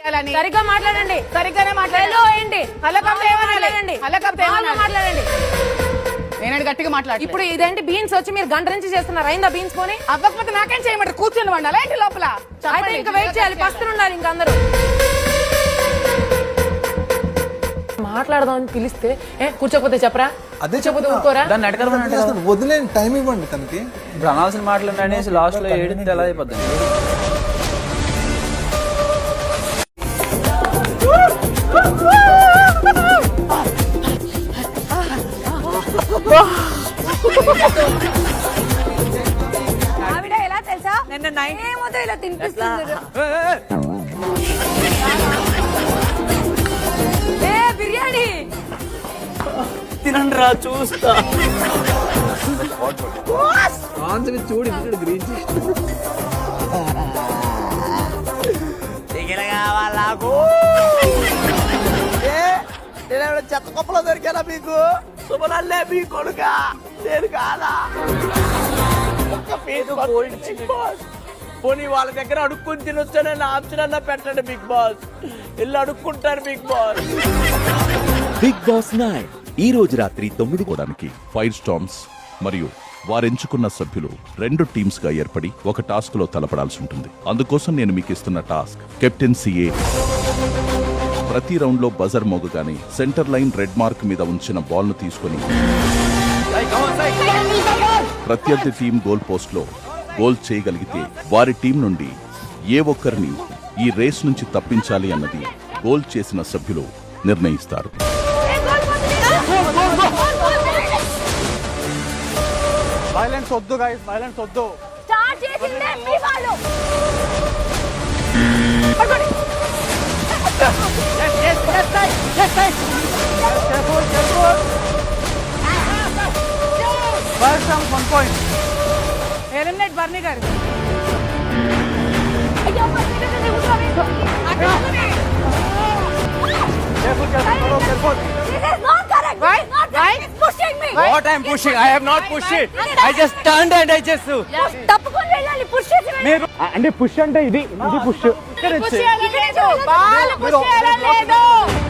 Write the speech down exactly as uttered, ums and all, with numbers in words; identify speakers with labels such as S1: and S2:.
S1: సరిగ్గా మాట్లాడండి.
S2: సరిగ్గానే మాట్లాడండి.
S1: మాట్లాడండి. మాట్లాడండి.
S2: నేను గట్టిగా మాట్లాడు.
S1: ఇప్పుడు ఇదేంటి బీన్స్ వచ్చి మీరు గంట నుంచి చేస్తున్నారు. అయిందా బీన్స్ పోనీ?
S2: అవ్వకపోతే నాకేం చేయమంటారు? కూర్చొని వండాలా ఏంటి లోపల?
S1: అయితే ఇంకా వెయిట్ చేయాలి. పస్తులు ఉండాలి ఇంకా అందరూ. మాట్లాడదామని పిలిస్తే ఏ కూర్చోకపోతే చెప్పరా?
S3: అదే
S1: చెప్పకపోతే ఊరుకోరా?
S3: దాన్ని అడగడం వదిలేని టైం ఇవ్వండి తనకి. ఇప్పుడు అనాల్సిన మాటలు అనేసి లాస్ట్ లో ఏడింటి ఎలా అయిపోద్ది?
S1: ఆవిడ ఎలా తెలుసా? నిన్న ఏమో ఇలా తినిపిస్తుంది. ఏ బిర్యానీ
S3: తినండి రా చూస్తా. చూడు గ్రీన్ నేను చెత్త కొప్పలో దొరికానా మీకు? శుభనల్లే మీ కొడుక నేను కాదా? పోనీ వాళ్ళ దగ్గర అడుక్కుని తినొచ్చానే నా ఆప్షన్ అన్నా పెట్టండి బిగ్ బాస్. ఇల్లు అడుక్కుంటారు big boss.
S4: Big boss nine ఈ రోజు రాత్రి తొమ్మిది కోడానికి ఫైర్ స్టార్మ్స్ మరియు వారెంచుకున్న సభ్యులు రెండు టీమ్స్ గా ఏర్పడి ఒక టాస్క్ లో తలపడాల్సి ఉంటుంది. అందుకోసం నేను మీకు ఇస్తున్న టాస్క్ కెప్టెన్సీఏ. ప్రతి రౌండ్ లో బజర్ మోగగానే సెంటర్ లైన్ రెడ్ మార్క్ మీద ఉంచిన బాల్ ను తీసుకుని ప్రత్యర్థి టీం గోల్ పోస్ట్ లో గోల్ చేయగలిగితే వారి టీం నుండి ఏ ఒక్కరిని ఈ రేస్ నుంచి తప్పించాలి అన్నది గోల్ చేసిన సభ్యులు నిర్ణయిస్తారు.
S3: వైలెన్స్ వద్దు గైస్, వైలెన్స్ వద్దు.
S1: స్టార్ట్ చేసిందే మీ వాళ్ళు.
S3: yes yes yes guys yes guys careful careful first down one point
S2: eliminate Barney garu.
S1: అయ్యో పక్కనే ఉట్రావే.
S3: careful careful careful
S1: This is not correct.
S2: Why? Why?
S1: It's pushing me.
S3: what I'm pushing I have not pushed it. I just turned and I just
S1: తప్పుకొని వెళ్ళాలి. Push చేసి
S3: మీరు అంటే push అంటే ఇది ఇది push
S2: push చేయాలని లేదు. బాల్ పుష్ చేయాలని లేదు.